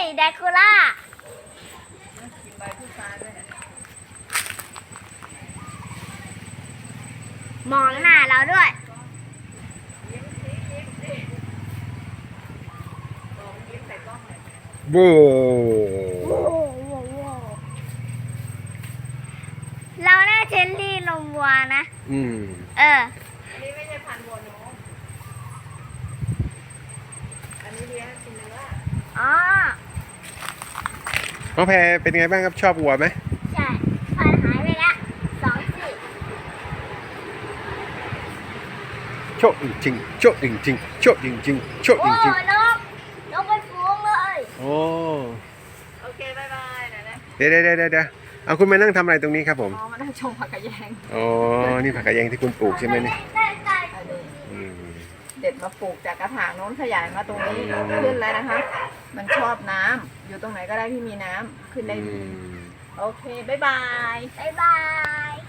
แดคูล่ามองหน้าเราด้วยโว้เราได้เจลลี่นมวัวนะอืมอันนี้ไม่ใช่พันธุ์วัวนมอันนี้เลี้ยงกินเนื้ออ๋อน้องแพรเป็นไงบ้างครับชอบวัวไหมใช่ฟันหายไปละ2 ซี่โชคจริงๆโชคจริงๆโชคจริงๆโชคโอ้จริงนกเป็นฝูงเลยๆโอ้โอเคบายบายนะนะเดี๋ยวเอาคุณมานั่งทำอะไรตรงนี้ครับผมอ๋อมานั่งชมผักกระแยงอ๋อนี่ผักกาดแยงที่คุณปลูกใช่ไหมเนี่ยได้อันนี้อืมเด็ดมาปลูกจากกระถางโน้นขยายมาตรงนี้ขึ้นแล้วนะคะ มันชอบน้ำอยู่ตรงไหนก็ได้ที่มีน้ำขึ้นได้อืดีมโอเคบายบายบ๊ายบาย